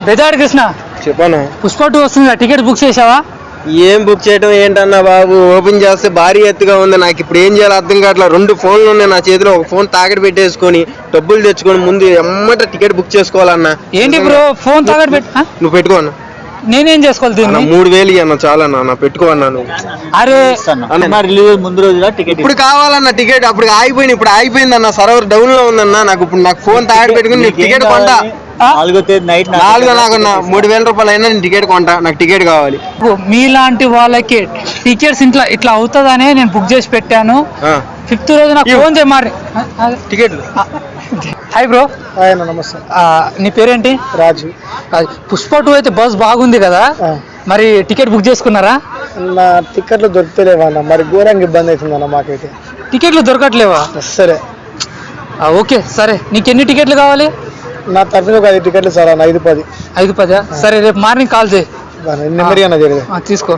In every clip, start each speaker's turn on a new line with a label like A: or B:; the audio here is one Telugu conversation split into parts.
A: బెజాడ్ కృష్ణ
B: చెప్పనా
A: పుష్ప 2 వస్తుంది, టికెట్ బుక్ చేసావా?
B: ఏం బుక్ చేయడం ఏంటన్నా బాబు, ఓపెన్ చేస్తే భారీ ఎత్తుగా ఉంది. నాకు ఇప్పుడు ఏం చేయాలో అర్థం కావట్లేదు. 2 ఫోన్లు ఉన్నాయి నా చేతిలో. ఒక ఫోన్ తాకట్టు పెట్టేసుకొని డబ్బులు తెచ్చుకొని ముందు ఎమ్మట టికెట్ బుక్ చేసుకోవాలన్నా.
A: ఏంటి బ్రో ఫోన్ తాకట్టు పెట్టి
B: నువ్వు పెట్టుకో అన్న.
A: నేనేం చేసుకోవాలి దీన్ని?
B: 3000 అన్న చాలన్నా, పెట్టుకో అన్నా నువ్వు.
A: అరే
C: రిలీజ్ ముందు రోజున టికెట్
B: ఇప్పుడు కావాలన్న టికెట్, అప్పుడు ఆగిపోయింది. ఇప్పుడు ఆగిపోయింది అన్న, సర్వర్ డౌన్ లో ఉందన్న. నాకు ఫోన్ తాకట్టు పెట్టుకుని టికెట్ కొంటా.
C: 4వ తేదీ నైట్
B: 4 నాకున్న 3000 రూపాయలు అయినా నేను టికెట్ కొంటా. నాకు టికెట్ కావాలి.
A: మీలాంటి వాళ్ళకి టికెట్స్ ఇట్లా అవుతుందనే నేను బుక్ చేసి పెట్టాను. 5th రోజు నాకు ఫోన్ చేయమారి
B: టికెట్లు.
A: Hi bro.
C: నమస్తే.
A: నీ పేరేంటి?
C: రాజు.
A: పుష్ప 2 అయితే బస్ బాగుంది కదా, మరి టికెట్ బుక్ చేసుకున్నారా?
C: నా టికెట్లు దొరుకుతలేవా? మరి ఘోరంగా ఇబ్బంది అవుతుందన్న మాకైతే.
A: టికెట్లు దొరకట్లేవా?
C: సరే
A: ఓకే సరే, నీకు ఎన్ని టికెట్లు కావాలి?
C: నా తరఫున ఒక 5 టికెట్లు సార్. 5-10.
A: 5-10? సరే రేపు మార్నింగ్ కాల్ చేయి. తీసుకో.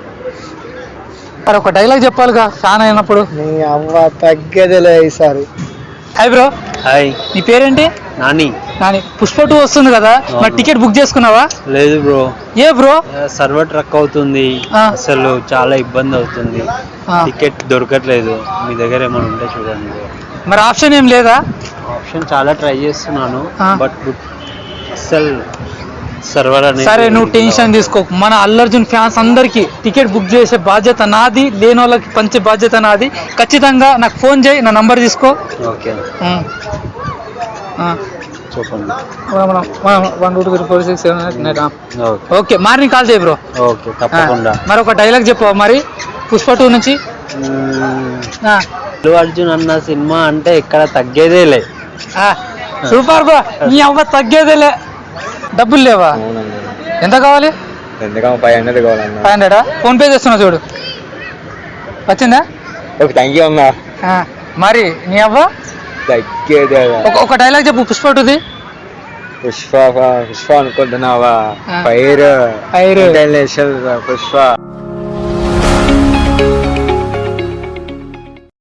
A: ఒక డైలాగ్ చెప్పాలిగా ఫ్యాన్ అయినప్పుడు.
C: నీ అవ్వ తగ్గేదేలే ఈసారి.
A: Hi bro.
B: హాయ్.
A: నీ పేరేంటి?
B: నాని.
A: పుష్ప 2 వస్తుంది కదా, మరి టికెట్ బుక్ చేసుకున్నావా?
B: లేదు బ్రో.
A: ఏ బ్రో?
B: సర్వర్ ట్రక్ అవుతుంది, అసలు చాలా ఇబ్బంది అవుతుంది. టికెట్ దొరకట్లేదు. మీ దగ్గర ఏమైనా ఉంటే చూడండి.
A: మరి ఆప్షన్ ఏం లేదా?
B: ఆప్షన్ చాలా ట్రై చేస్తున్నాను, బట్ అసలు సర్వర్ అనేది.
A: సరే నువ్వు టెన్షన్ తీసుకోకు, మన అల్లు అర్జున్ ఫ్యాన్స్ అందరికి టికెట్ బుక్ చేసే బాధ్యత నాది, లేని వాళ్ళకి పంచే బాధ్యత నాది. ఖచ్చితంగా నాకు ఫోన్ చేయి, నా నంబర్ తీసుకో.
B: ఓకే చెప్పండి.
A: 1 2 3 4 6 7 8 9. ఓకే మార్నింగ్ కాల్ చేయి బ్రో.
B: ఓకే తప్పకుండా.
A: మరి ఒక డైలాగ్ చెప్పు మరి పుష్ప 2 నుంచి.
B: అల్లు అర్జున్ అన్న సినిమా అంటే ఇక్కడ తగ్గేదేలే.
A: Super bro. నీ అవ్వ తగ్గేదేలే. డబ్బులు లేవా? ఎంత కావాలి?
C: 500 కావాలన్నా.
A: 500? ఫోన్ పే చేస్తున్నా చూడు. వచ్చిందా?
C: ఓకే థ్యాంక్ యూ అన్నా.
A: మరి నీ అవ్వ ఒక డైలాగ్ చెప్పు పుష్ప 2ది.
C: పుష్ప అనుకుంటున్నావా? ఫైర్ పుష్ప.